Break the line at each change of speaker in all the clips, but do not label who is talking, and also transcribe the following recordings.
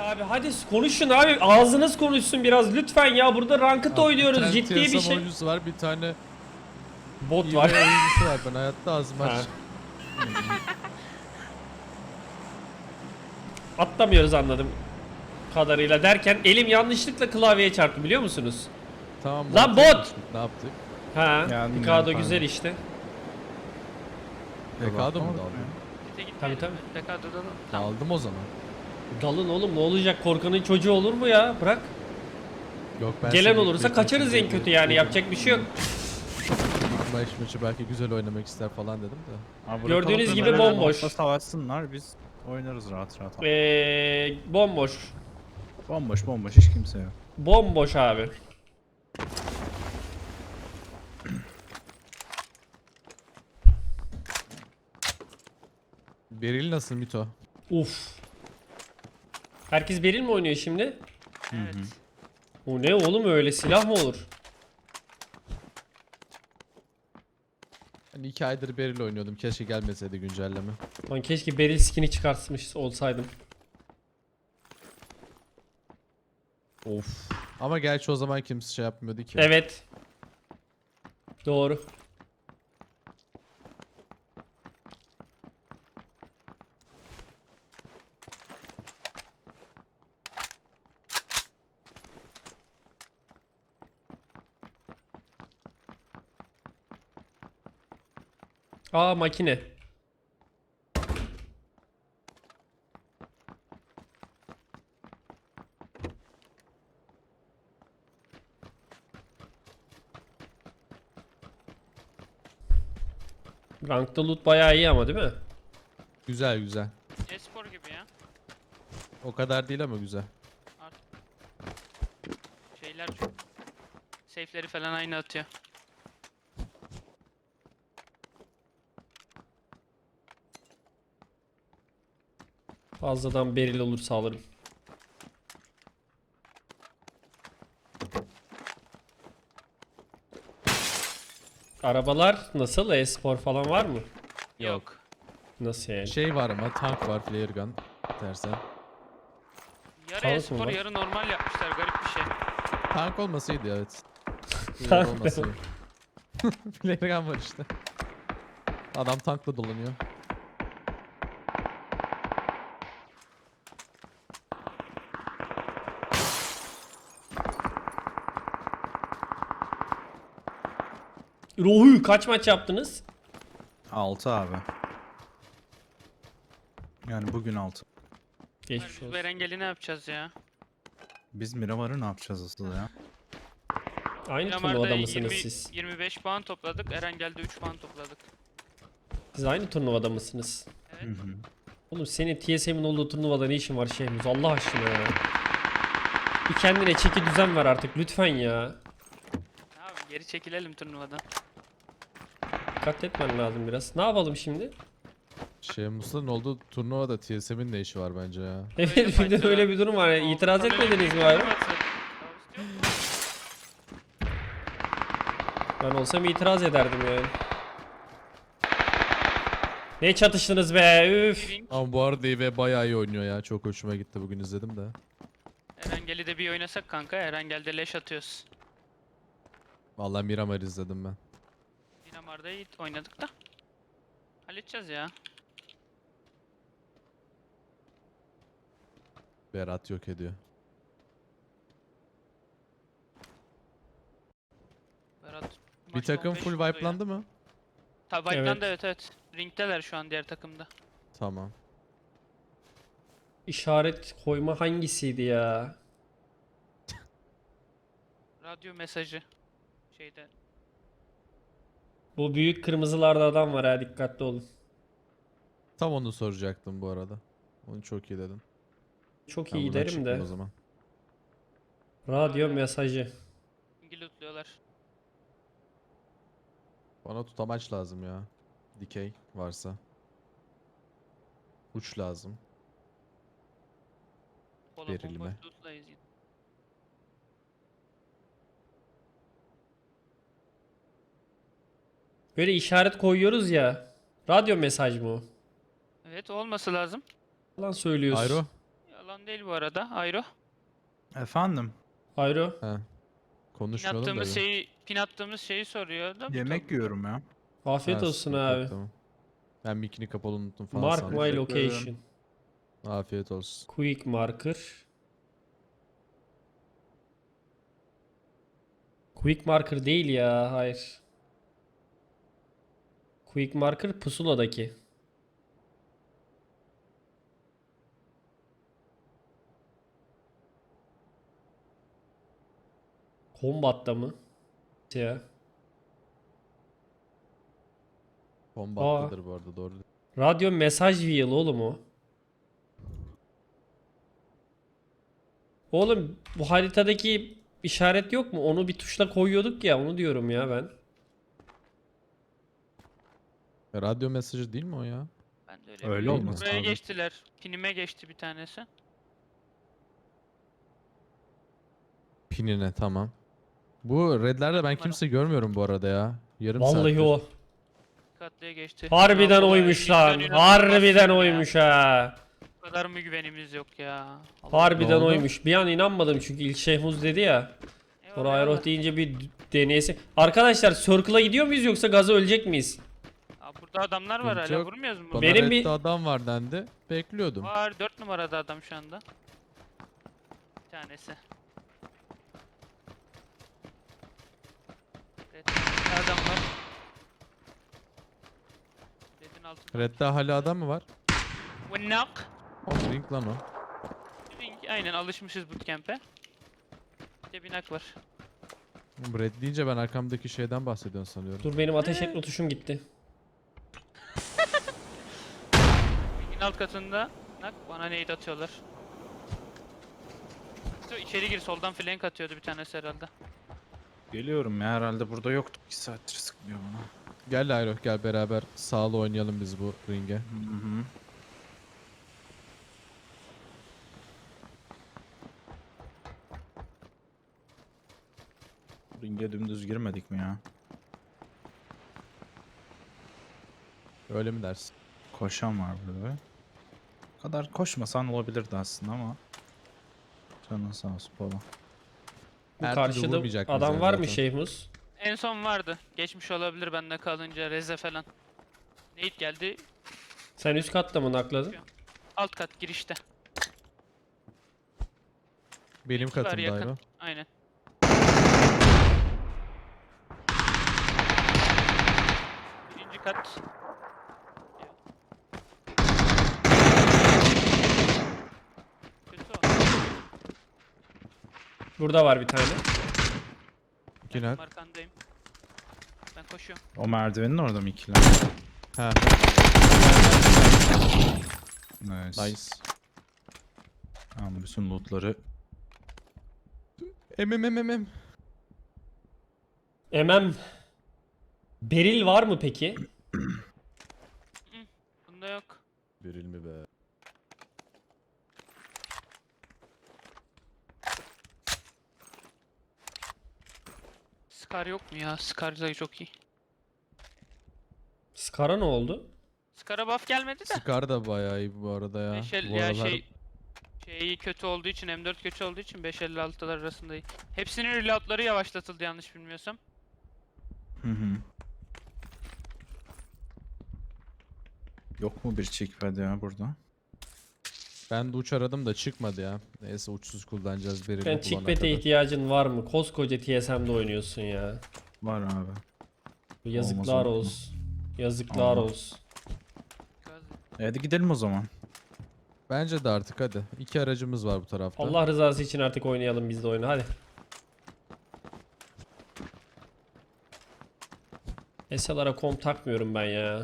Abi hadi konuşun abi. Ağzınız konuşsun biraz lütfen ya. Burada ranked oynuyoruz. Ciddi bir
TSM
şey.
oyuncusu var, bir tane
Bot
iyi
var.
oyuncusu var. Ben hayatta ağzımı
Ha.
aç.
Atlamıyoruz anladım kadarıyla derken elim yanlışlıkla klavyeye çarptı biliyor musunuz?
Tamam.
Lan
montaj
bot!
yapmıştık, ne yaptık?
Ha,
Geldim,
Picado
geldim,
güzel
pardon.
işte.
Pekado mu
Tamam.
daldın?
Tabii tabii.
Pekado'dan tamam.
Daldım o zaman.
Dalın oğlum ne olacak? Korkanın çocuğu olur mu ya? Bırak.
Yok ben
Gelen
seni
olursa
ilk
kaçarız
maçı
en kötü
dedim.
yani. Yapacak bir şey yok.
İlk maçı belki güzel oynamak ister falan dedim de.
Abi
Gördüğünüz
bırakalım
gibi
da
bomboş.
ortada savaşsınlar, biz oynarız rahat rahat.
Bomboş.
Bomboş bomboş, hiç kimse yok.
Bomboş abi.
Beril nasıl Mito?
Uf. Herkes Beril mi oynuyor şimdi?
Evet.
O ne oğlum öyle silah mı olur?
Hani 2 aydır Beril oynuyordum. Keşke gelmeseydi güncelleme.
Lan keşke Beril skin'i çıkartmış olsaydım.
Of. Ama gerçi o zaman kimse şey yapmıyordu ki.
Evet. Doğru. Aa makine. Rankta loot bayağı iyi ama değil mi?
Güzel güzel.
E-spor gibi ya.
O kadar değil ama güzel.
Artık şeyler çok. Safe'leri falan aynı atıyor.
Fazladan Beril olursa alırım. Arabalar nasıl? E-spor falan var mı?
Yok.
Nasıl yani?
Şey var ama tank var, flare gun dersen.
Yarı
Tank mı
e-spor
var?
yarı normal yapmışlar, garip bir şey.
Tank olmasaydı evet. Flare
Tank
olmasaydı. Flare gun var işte. Adam tankla dolanıyor.
Ruhu kaç maç yaptınız?
6 abi. Yani bugün 6.
Geçmiş
Biz
olsun.
Berengel'i ne yapacağız ya?
Biz Miramar'ı ne yapacağız asıl ya?
Aynı
Miramar'da
turnuvada mısınız siz?
25 puan topladık. Erengel'de 3 puan topladık.
Siz aynı turnuvada mısınız?
Evet.
Hı hı.
Oğlum senin TSM'in olduğu turnuvada ne işin var Şehmuz Allah aşkına ya. Bir kendine çeki düzen ver artık lütfen ya.
Abi geri çekilelim turnuvadan.
Dikkat etmen lazım biraz. Ne yapalım şimdi?
Şey Musa'nın olduğu turnuvada TSM'in ne işi var bence ya.
Evet bir de öyle bir durum var. Ya. İtiraz etmediniz mi abi? Ben olsam itiraz ederdim yani. Ne çatıştınız be üf.
Ama bu arada İve bayağı iyi oynuyor ya. Çok hoşuma gitti, bugün izledim de.
Erengel'i de bir oynasak kanka. Erengel'de leş atıyoruz.
Vallahi Miramar izledim ben.
Dinamar'da iyi oynadık da. Halledeceğiz ya.
Berat yok ediyor.
Berat,
Bir
maçta
takım
15
full
vurdu ya.
wipe'landı mı?
Tabi wipe'landı evet. Ring'teler şu an diğer takımda.
Tamam.
İşaret koyma hangisiydi ya?
Radyo mesajı. Şeyde.
Bu büyük kırmızılarda adam var ha dikkatli olun.
Tam onu soracaktım bu arada. Onu çok iyi dedin.
Çok
Ben
iyi
buradan
derim
çıktım
de.
o zaman.
Radyo mesajı.
Ring'i lootluyorlar.
Bana tutamaç lazım ya. Dikey varsa. Uç lazım.
Kola
Verilme.
bomboş lootlayız yine.
Böyle işaret koyuyoruz ya. Radyo mesaj mı o?
Evet olması lazım.
Yalan söylüyorsun.
Ayro.
Alan değil bu arada. Ayro.
Efendim?
Ayro.
He.
Pin
Konuşmayalım da.
attığımız
bir.
pin attığımız şeyi soruyor da.
Yemek yiyorum ya.
Afiyet
Ha,
olsun
sıkıntı yok,
abi.
tamam. Ben mikini kapalı unuttum falan
Mark
sandım.
my
Teşekkür
location.
Afiyet olsun.
Quick marker. Quick marker değil ya. Hayır. Quick marker pusuladaki. Combat'ta mı? Ya.
Bombattadır bu arada, doğru.
Radyo mesaj wheel oğlum o. Oğlum bu haritadaki işaret yok mu? Onu bir tuşla koyuyorduk ya, onu diyorum ya ben.
Radyo mesajı değil mi o ya?
Ben de öyle
Öyle
biliyorum.
olması
Buraya
lazım.
geçtiler. Pinime geçti bir tanesi.
Pinine, tamam. Bu redlerde ben kimse görmüyorum bu arada ya. Yarım
Vallahi
saattir.
o.
Dikkatliye geçti.
Harbiden
Ya,
oymuş
cidden
lan.
inanılmaz
Harbiden
ya.
oymuş ha.
Bu kadar mı güvenimiz yok ya? Allah
Ne
Harbiden
oldu?
oymuş. Bir an inanmadım çünkü ilk Şehmuz dedi ya.
Allah.
Sonra
Eyvallah,
Ayroh
eyvallah.
deyince bir deneyesi. Arkadaşlar Circle'a gidiyor muyuz yoksa gaza ölecek miyiz?
Aa, burada adamlar var
Sıkıntı
hala,
yok.
vurmuyoruz mu?
Bana
Benim
redde
bir-
adam var dendi. Bekliyordum.
Var 4 numarada adam şu anda. Bir tanesi. Evet, adam var. Red'in altında.
Redde hala adam mı var?
Knock.
O ring lan o.
Aynen alışmışız bootcamp'e. Bir de binak var.
Bu red deyince ben arkamdaki şeyden bahsediyorsun sanıyorum.
Dur benim ateş etme tuşum gitti.
Ringin alt katında. Knock, bana nade atıyorlar. İçeri gir, soldan flank atıyordu bir tanesi herhalde.
Geliyorum ya, herhalde burada yoktu. 2 saattir sıkmıyor bana.
Gel Ayroh, gel beraber sağlı oynayalım biz bu ringe.
Hı hı. Ringe dümdüz girmedik mi ya?
Öyle mi dersin?
Koşan var burada. O kadar koşmasan olabilirdi aslında ama. Canın sağ olsun Polo.
Bu
Her türlü
karşıda
vurmayacak bizi
adam var mı
zaten.
Şehmuz?
En son vardı. Geçmiş olabilir bende kalınca, Reze falan. Nade geldi.
Sen üst katta mı nakladın?
Alt kat girişte.
Benim
İki var
katımda
yakın.
Ayroh.
Aynen. Birinci kat. Kötü o.
Burada var bir tane.
İki
Ben
nak.
arkandayım. Ben koşuyorum.
O merdivenin orada mı ikiler?
Ha,
Nice.
nice.
Tamam, bütün lootları.
Em.
Emem. Beril var mı peki?
Bunda yok.
Biril mi be?
Scar yok mu ya? Scar da çok iyi.
Scar'a ne oldu?
Scar'a buff gelmedi de.
Scar da bayağı iyi bu arada ya.
Beşel
Bu
ya
aralar
şeyi kötü olduğu için, M4 kötü olduğu için 5.56'lar arasında iyi. Hepsinin reloadları yavaşlatıldı yanlış bilmiyorsam.
Hı hı. Yok mu bir checkpad ya burada?
ben de uç aradım da çıkmadı ya. Neyse uçsuz kullanacağız Biril'i
Ben
bulana
chickpad'e
kadar.
ihtiyacın var mı? Koskoca TSM'de oynuyorsun ya.
Var abi.
Yazıklar
Olmaz.
olsun. Yazıklar
Olmaz.
olsun.
Hadi gidelim o zaman.
Bence de artık hadi. 2 aracımız var bu tarafta.
Allah rızası için artık oynayalım biz de oyunu hadi. SLR'a kom takmıyorum ben ya.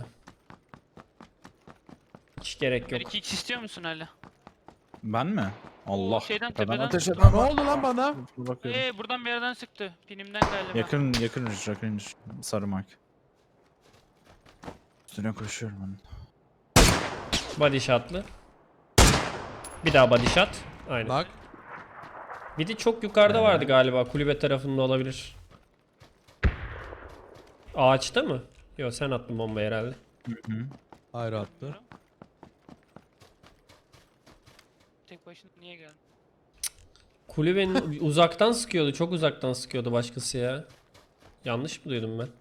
Hiç gerek
Bir
yok.
2x istiyor musun hala?
Ben mi? Allah.
şeyden,
Tepeden
tepeden.
ateş
Ne
eden var.
oldu lan bana?
Dur bakıyorum.
Buradan bir yerden sıktı. Pinimden galiba.
Yakın sarı mark. Üstüne koşuyorum ben.
Body shot'lı. Bir daha body shot. Aynen.
Bak.
Bir de çok yukarıda vardı galiba. Kulübe tarafında olabilir. Ağaçta mı? Yok sen attın bombayı herhalde.
Hı hı.
Ayrı attı.
Tek Tek başına niye geldin?
Kulübenin uzaktan sıkıyordu. Çok uzaktan sıkıyordu başkası ya. Yanlış mı duydum ben?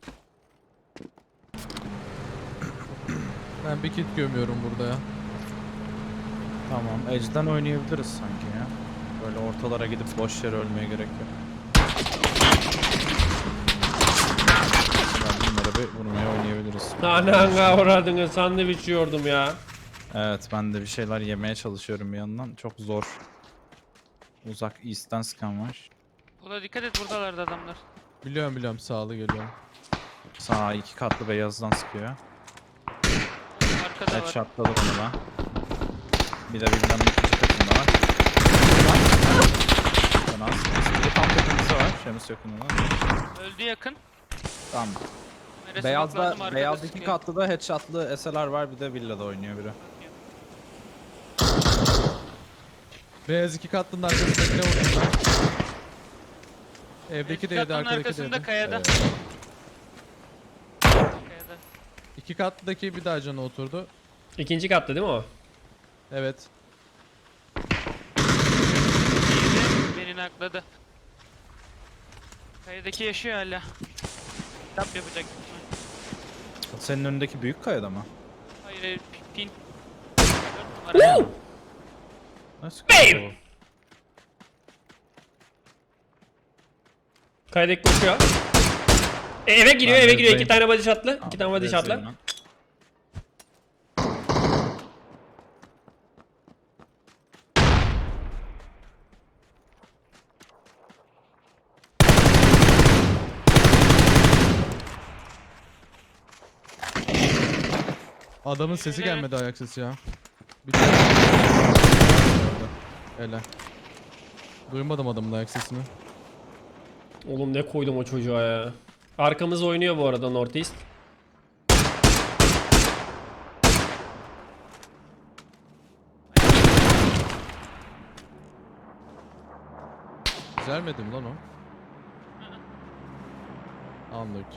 Ben bir kit gömüyorum burada ya.
Tamam. Edge'den oynayabiliriz sanki ya. Böyle ortalara gidip boş yere ölmeye gerek yok. Mesela bunları bir vurmaya oynayabiliriz.
Ananga uğradığını sandviç yiyordum ya.
Evet, ben de bir şeyler yemeye çalışıyorum bir yandan. Çok zor. Uzak East'ten sıkan var.
Ola dikkat et, buradalardı adamlar.
Biliyorum sağlı geliyorum.
Sağ 2 katlı beyazdan sıkıyor.
Arkada var.
Headshot'ladı bunu da. Bir de birbirinden ikinci katında var. Fena sıkıntı. Bir de tam tepemizde var. Şemus yakınında.
Öldü yakın.
Tamam.
Neresi lazım,
Beyazda,
arkada
beyaz 2
sıkıyor.
katlı da headshot'lı SLR var. Bir de villada oynuyor biri.
Beyaz 2 katlının arkasındakine vurdum ben. Evdeki de yedi,
Katlının
arkadaki de
arkasında
yedi.
kayada.
Evet.
Kayada.
2 katlıdaki bir daha canı oturdu.
İkinci katta değil mi o?
Evet.
Diğeri beni nakladı. Kayadaki yaşıyor hala. Tap yapacak.
Senin önündeki büyük kayada mı?
Hayır hayır, pin. 4 numara.
Nasıl?
Bam! Kaydek koşuyor. Eve giriyor,
Ben
eve giriyor.
Reza'yım.
2 tane body shot'lı. 2 tane body shot'lı.
Adamın sesi
Evet.
gelmedi, ayak sesi ya. Bir tane. Hele. Duymadım adamın ayak sesini.
Oğlum ne koydum o çocuğa ya. Arkamız oynuyor bu arada Northeast.
Güzelmedi mi lan o? Anladım.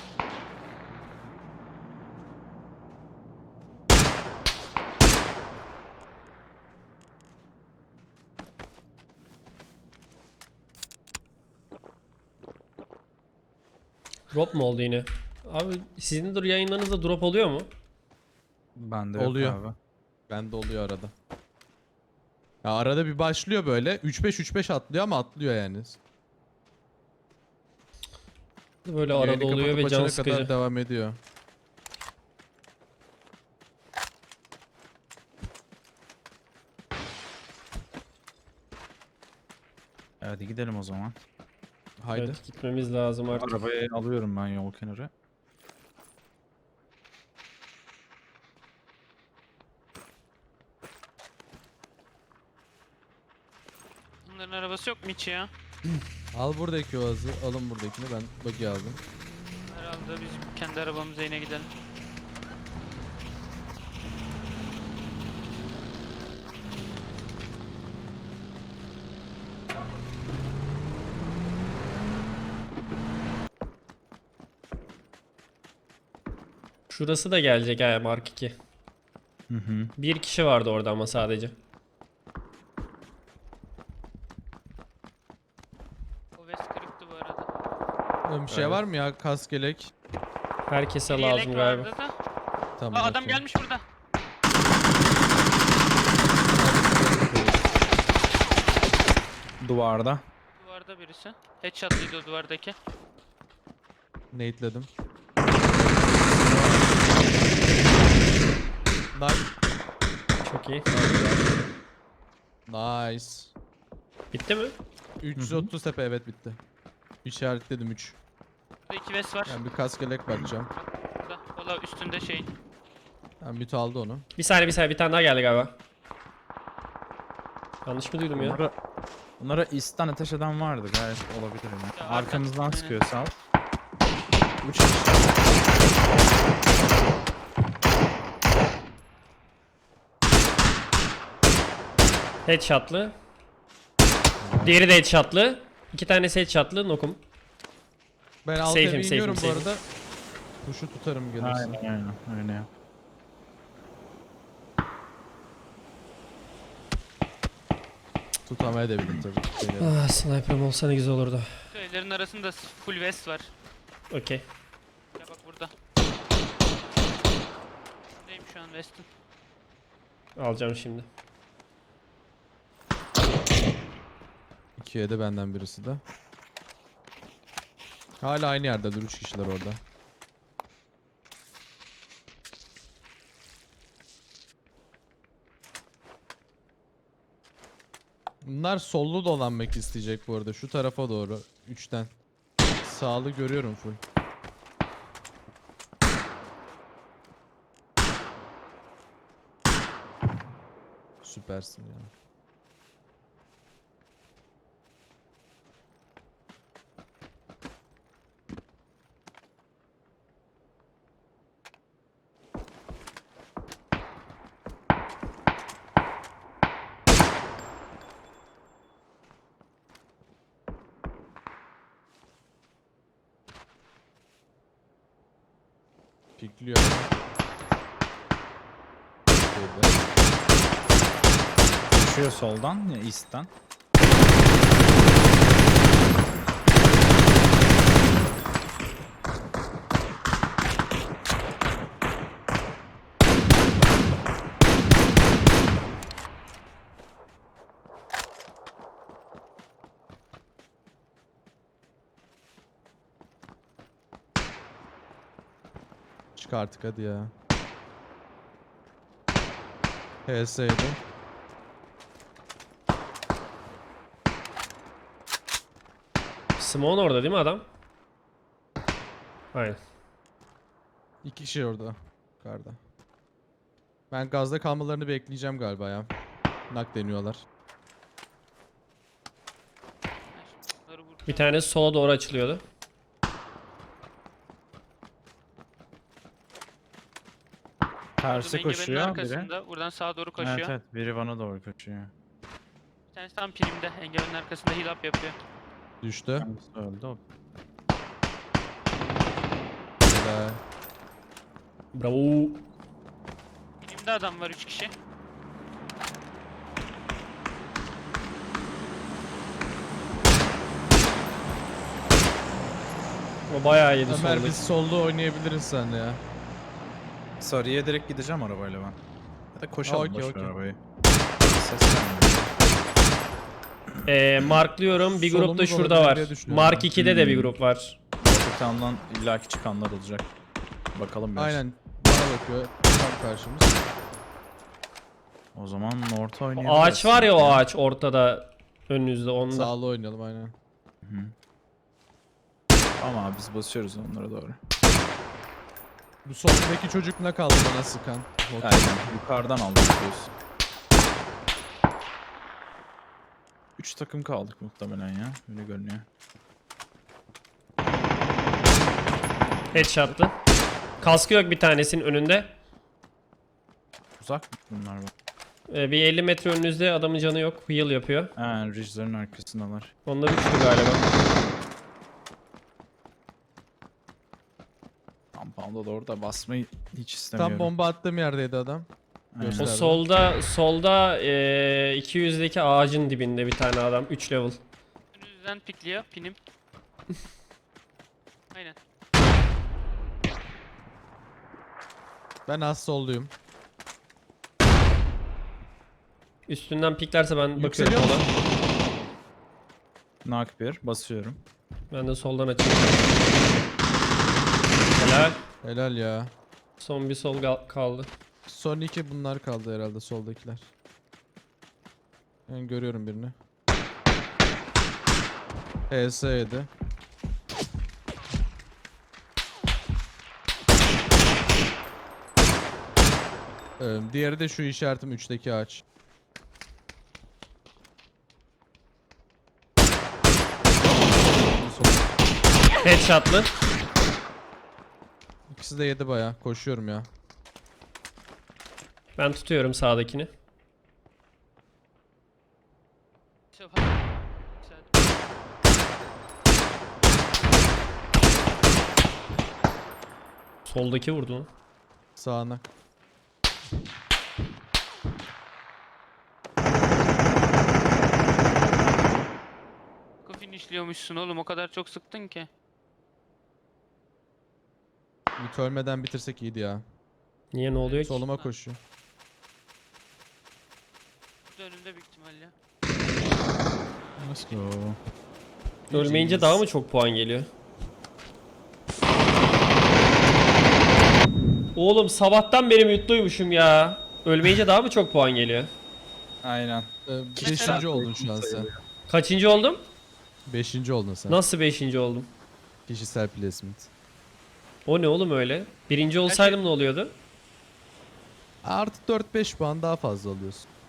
Drop mu oldu yine? Abi sizin de yayınlarınızda drop oluyor mu?
Bende
Oluyor.
yok abi.
Bende oluyor arada. Ya arada bir başlıyor böyle. 3-5 atlıyor ama atlıyor yani.
Böyle arada
Yayını
oluyor
kapatıp
ve can
açana
sıkıcı.
kadar devam ediyor.
Hadi gidelim o zaman.
Haydi.
Evet, gitmemiz lazım artık.
Arabayı alıyorum ben yol kenarı.
Bunların arabası yok mu hiç ya?
Al buradaki oğazı. Alın buradakini. Ben buggy aldım.
Herhalde biz kendi arabamıza yine gidelim.
Şurası da gelecek ha Mark 2.
Hı hı.
Bir kişi vardı orada ama sadece.
O West kırıktı bu arada.
Bir şey
Evet.
var mı ya? Kask gelek.
Herkese
Bir
lazım
yelek
galiba.
vardı da.
Tamam.
Aa, adam
okey.
gelmiş burada.
Duvarda.
Duvarda birisi. Headshot'lıydı o duvardaki.
Nate'ledim. Nice.
Çok iyi.
Nice.
Bitti mi?
330 tepe, evet bitti. İşaretledim 3.
Burada 2 West var.
Ben bir kask gelek bakacağım.
Burada. Valla üstünde şeyin.
Ben müt aldı onu.
Bir saniye bir tane daha geldi galiba. Yanlış mı duydum ya?
Bunlara East'ten ateş eden vardı, gayet olabilir yani.
Ya,
Arkamızdan
aynen.
sıkıyor sağ ol. 3 kişi.
Headshot'lı. Diğeri de headshot'lı. 2 tanesi headshot'lı nokum.
Ben alt
Safe'im,
eve iniyorum bu
safe'im.
arada. Tuşu tutarım gelirse.
Aynen öyle yap.
Tutamayabilirim tabii.
Ah, sniper'ım olsa ne güzel olurdu.
Şu evlerin arasında full vest var.
Okey.
Ya bak burada. Şuradayım şu an west'in.
Alacağım şimdi.
2'ye de benden birisi de. Hala aynı yerde dur 3 kişiler orada. Bunlar sollu dolanmak isteyecek bu arada şu tarafa doğru 3'ten. Sağlı görüyorum full. Süpersin ya. Pikliyor. Şeyde.
Düşüyor soldan ya east'ten.
Çık artık hadi ya. HS'ydi.
Simon orada değil mi adam? Aynen.
2 kişi orada. Karda. Ben gazda kalmalarını bekleyeceğim galiba ya. Nak deniyorlar.
Ben şimdi bunları vuracağım.
Bir tanesi sola doğru açılıyordu.
Tersi
Engebenin
koşuyor biri.
arkasında. Buradan sağa doğru koşuyor.
Evet evet biri bana doğru koşuyor.
Bir tanesi tam primde. Engebenin arkasında heal up yapıyor.
Düştü.
Hangisi öldü o?
Helal.
Bravo.
Primde adam var 3 kişi.
O bayağı yedi
Ömer
soldaki.
biz solda oynayabiliriz senle ya.
Sarıya direkt gideceğim arabayla ben. Ya da koşalım
Okey,
boş ver
okey.
arabayı. Ses vermiyor.
Marklıyorum. Bir grup da
Solumuz
şurada
olabilir
var.
diye düşünüyorum
Mark
ben.
2'de de bir grup var.
Ortakandan illaki çıkanlar olacak. Bakalım biraz.
Aynen. Bana bakıyor. Tam karşımız.
O zaman orta
O
oynayabiliriz.
ağaç var ya, o ağaç ortada önünüzde onda.
Sağlı oynayalım aynen.
Hı. Ama biz basıyoruz onlara doğru.
Bu soldaki çocuk ne kaldı bana sıkan?
Aynen yukarıdan aldık diyorsun. 3 takım kaldık muhtemelen ya. Öyle görünüyor.
Headshot'lı. Kaskı yok bir tanesinin önünde.
Uzak mı bunlar bak?
Bir 50 metre önünüzde, adamın canı yok. Heal yapıyor.
Ha, ridge'lerin arkasındalar.
Onda üçlü galiba.
Compound'a doğru da basmayı hiç istemiyorum.
Tam bomba attığım yerdeydi adam.
Aynen.
O
Gösterdi.
solda 200'deki ağacın dibinde bir tane adam. 3 level.
Önünüzden pikliyor. Pinim. Aynen.
Ben az solluyum.
Üstünden piklerse ben bakıyorum
Yükseliyor
sola.
musun?
Knock 1 basıyorum.
Ben de soldan açayım. Helal.
Helal ya.
Son bir sol kaldı.
Son 2 bunlar kaldı herhalde soldakiler. Ben görüyorum birini. HS7. Diğeri de şu işaretim 3'teki ağaç.
Headshot'lı.
İkisi de yedi baya. Koşuyorum ya.
Ben tutuyorum sağdakini.
Güzel.
Soldaki vurdu lan.
Sağına.
finishliyormuşsun oğlum, o kadar çok sıktın ki.
Ümit ölmeden bitirsek iyiydi ya.
Niye, ne oluyor ki?
Soluma koşuyor.
Bu da önümde büyük ihtimalle.
Let's go.
Ölmeyince daha mı çok puan geliyor? Oğlum sabahtan beri mutluymuşum ya. Ölmeyince daha mı çok puan geliyor?
Aynen.
Beşinci oldun şu an sen.
Kaçıncı oldum?
5. oldun sen.
Nasıl 5. oldum?
Kişisel placement.
O ne oğlum öyle? Birinci olsaydım ne oluyordu?
Artı 4-5 puan daha fazla alıyorsun.